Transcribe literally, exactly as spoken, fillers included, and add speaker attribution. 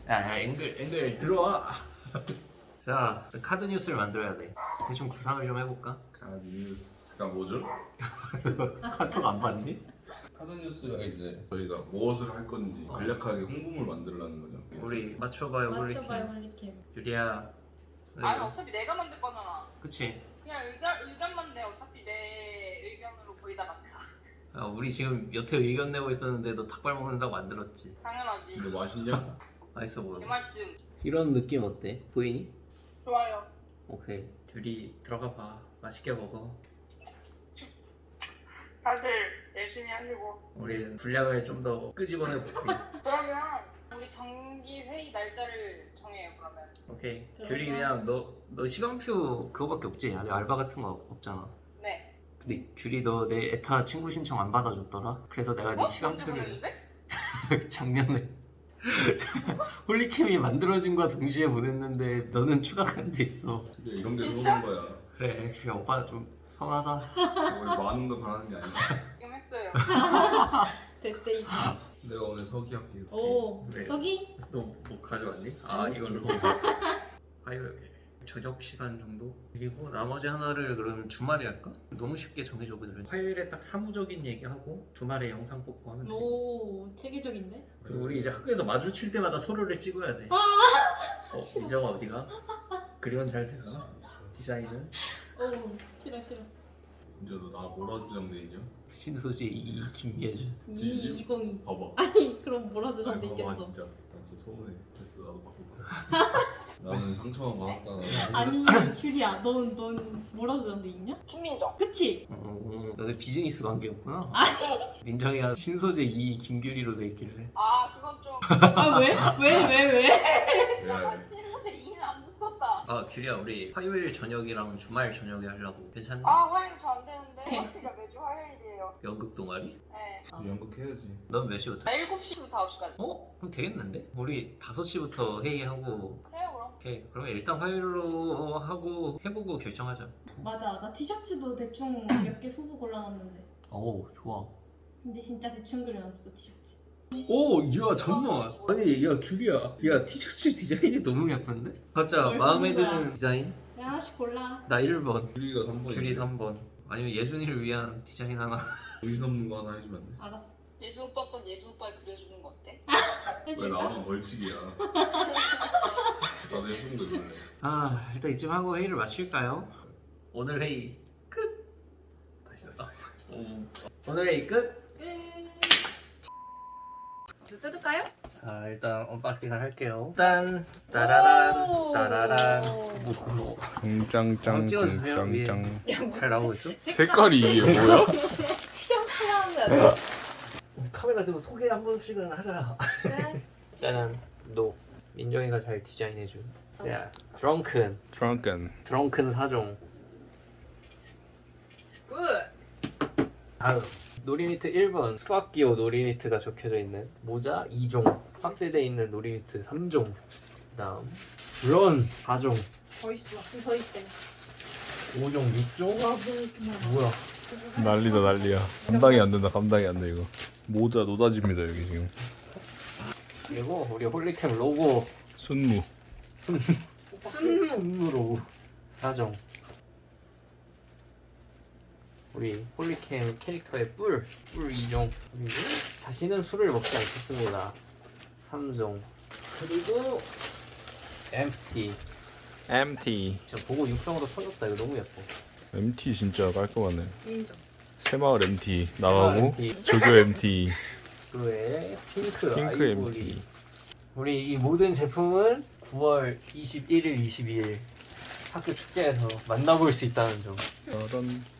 Speaker 1: 야, 야 앵글 앵글 들어와. 자, 카드 뉴스를 만들어야 돼. 대충 구상을 좀 해볼까?
Speaker 2: 카드 뉴스가 뭐죠?
Speaker 1: 카톡 안 봤니?
Speaker 2: 카드 뉴스가 이제 저희가 무엇을 할 건지 간략하게 홍보물 만들라는 거죠.
Speaker 1: 우리 맞춰봐요
Speaker 3: 맞춰봐요
Speaker 1: 홀리캠.
Speaker 3: 홀리캠.
Speaker 1: 유리야.
Speaker 4: 아니 어차피 내가 만들 거잖아.
Speaker 1: 그치?
Speaker 4: 그냥 의견 의견만 내. 어차피 내 의견으로 거의 다 만들어.
Speaker 1: 아, 우리 지금 여태 의견 내고 있었는데 너 닭발 먹는다고 안 들었지?
Speaker 4: 당연하지.
Speaker 2: 근데 맛있냐?
Speaker 1: 맛있어 보여.
Speaker 4: 개맛있음.
Speaker 1: 이런 느낌 어때? 보이니?
Speaker 4: 좋아요.
Speaker 1: 오케이. 둘이 들어가 봐. 맛있게 먹어.
Speaker 4: 다들 열심히 하시고.
Speaker 1: 우리 분량을 좀 더 끄집어내 볼게.
Speaker 4: 그러면 우리 정기 회의 날짜를 정해요. 그러면.
Speaker 1: 오케이.
Speaker 3: 그러자.
Speaker 1: 둘이 그냥 너 너 시간표 그거밖에 없지? 아직 알바 같은 거 없잖아.
Speaker 4: 네.
Speaker 1: 근데 귤이 너 내 에타 친구 신청 안 받아줬더라. 그래서 내가 네
Speaker 4: 어? 언제
Speaker 1: 시간표를
Speaker 4: 보냈는데?
Speaker 1: 작년에 홀리캠이 만들어진과 동시에 보냈는데 너는 추가가 안 돼 있어.
Speaker 2: 근데 이런 게
Speaker 4: 진짜?
Speaker 2: 그런 거야.
Speaker 1: 그래, 귤이 오빠 좀 선하다.
Speaker 2: 우리 많은 걸 바라는 게 아니야.
Speaker 4: 지금 했어요.
Speaker 3: 대대 입.
Speaker 2: 내가 오늘 서기 할게.
Speaker 3: 오
Speaker 1: 네.
Speaker 3: 서기?
Speaker 1: 너 뭐 가져왔니? 아 이걸로. 아 이거 저녁 시간 정도? 그리고 나머지 하나를 그러면 주말에 할까? 너무 쉽게 정해줘 그들은. 화요일에 딱 사무적인 얘기하고 주말에 영상 뽑고 하면 돼.
Speaker 3: 오 체계적인데?
Speaker 1: 그리고 우리 이제 학교에서 마주칠 때마다 서로를 찍어야 돼. 어, 민정아 어디가? 그림은 잘 되나? 디자인은?
Speaker 3: 오 싫어 싫어.
Speaker 2: 이제 너 나 뭐라 주장돼 있냐?
Speaker 1: 신소재 이 김예준.
Speaker 2: 지지?
Speaker 3: 이이공이.
Speaker 2: 봐봐.
Speaker 3: 아니 그럼 뭐라 도
Speaker 2: 아니,
Speaker 3: 돼
Speaker 2: 봐봐
Speaker 3: 있겠어.
Speaker 2: 진짜. 나 진짜 서운해. 됐어 나도 바꿀 거야. 나는 상처만 받았다.
Speaker 3: 아니 귤이야 넌 넌 뭐라 도 돼 있냐?
Speaker 4: 김민정.
Speaker 3: 그치?
Speaker 1: 어, 너네 비즈니스 관계였구나. 민정이가 신소재 이 김규리로 돼 있길래.
Speaker 4: 아 그건 좀.
Speaker 3: 아 왜? 왜 왜 왜?
Speaker 4: 약간 신사제 이는 안 붙였다.
Speaker 1: 아 규리야 우리 화요일 저녁이랑 주말 저녁에 하려고 괜찮니?
Speaker 4: 아 화요일 저 안 되는데. 화요일가 매주 화요일이에요.
Speaker 1: 연극 동아리?
Speaker 4: 네.
Speaker 2: 이제 연극 해야지.
Speaker 1: 넌 몇 시부터?
Speaker 4: 나 일곱 시부터 아홉 시까지.
Speaker 1: 어? 그럼 되겠는데? 우리 다섯 시부터 회의하고.
Speaker 4: 그래요 그럼.
Speaker 1: 오케이 그러면 일단 화요일로 하고 해보고 결정하자.
Speaker 3: 맞아 나 티셔츠도 대충 몇 개 후보 골라놨는데.
Speaker 1: 오 좋아.
Speaker 3: 근데 진짜 대충 그려놨어 티셔츠.
Speaker 1: 오, 야 잠깐만. 아니, 야 규리야. 야 티셔츠 디자인이 너무 예쁜데? 각자
Speaker 3: 뭘
Speaker 1: 마음에
Speaker 3: 고른 거야?
Speaker 1: 드는 디자인?
Speaker 3: 야, 하나씩 골라.
Speaker 1: 나 일 번,
Speaker 2: 규리가 삼 번.
Speaker 1: 규리 삼 번. 아니면 예준이를 위한 디자인 하나.
Speaker 2: 의심 없는 거 하나 해주면 안 돼?
Speaker 3: 알았어.
Speaker 4: 예수 오빠 건 예수 오빠를 그려주는 거 어때?
Speaker 2: 왜
Speaker 3: 해줄까?
Speaker 2: 나만 벌칙이야? 나도 예쁜 거 입을래.
Speaker 1: 아, 일단 이쯤 하고 회의를 마칠까요? 오늘 회의 끝. 다시 했다. 오늘 회의 끝.
Speaker 4: 저 뜯을까요?
Speaker 1: 자, 일단 언박싱을 할게요. 일단 따라란,
Speaker 3: 오.
Speaker 1: 따라란. 뭐,
Speaker 2: 짱짱짱
Speaker 1: 한번 찍어주세요, 위에.
Speaker 3: 야,
Speaker 1: 잘 나오고 있어?
Speaker 2: 색깔이 이게 뭐야?
Speaker 3: 휘황찬란하면
Speaker 1: 카메라 들고 소개 한 번씩은 하자.
Speaker 3: 네.
Speaker 1: 짜잔, 노. 민정이가 잘 디자인해준. 자, 드렁큰,
Speaker 2: Drunken.
Speaker 1: 드렁큰 사종.
Speaker 4: 굿!
Speaker 1: 다음 놀이니트 일 번 수학기호 놀이니트가 적혀져 있는 모자 이 종, 확대돼 있는 놀이니트 삼 종. 그다음 런 사 종,
Speaker 3: 더 있어. 더 있대.
Speaker 1: 오 종 육 종.
Speaker 3: 와, 뭐 이렇게 많아.
Speaker 1: 뭐야?
Speaker 2: 난리다 난리야. 감당이 안 된다 감당이 안 돼 이거. 모자 노다지입니다 여기 지금.
Speaker 1: 그리고 우리 홀리캠 로고
Speaker 2: 순무.
Speaker 1: 순
Speaker 3: 순무.
Speaker 1: 순무 로고 사 종. 우리 홀리캠 캐릭터의 뿔, 뿔 이 종. 그리고 다시는 술을 먹지 않겠습니다. 삼 종. 그리고 엠티.
Speaker 2: 엠티.
Speaker 1: 진짜 보고 육성으로 터졌다. 이거 너무 예뻐.
Speaker 2: 엠티 진짜 깔끔하네.
Speaker 3: 인정.
Speaker 2: 새마을 엠티 나가고
Speaker 1: 엠티.
Speaker 2: 조교 엠티.
Speaker 1: 그 외에 핑크,
Speaker 2: 핑크
Speaker 1: 아이보리.
Speaker 2: 엠티.
Speaker 1: 우리 이 모든 제품은 구월 이십일일, 이십이일 학교 축제에서 만나볼 수 있다는 점.
Speaker 2: 짜잔.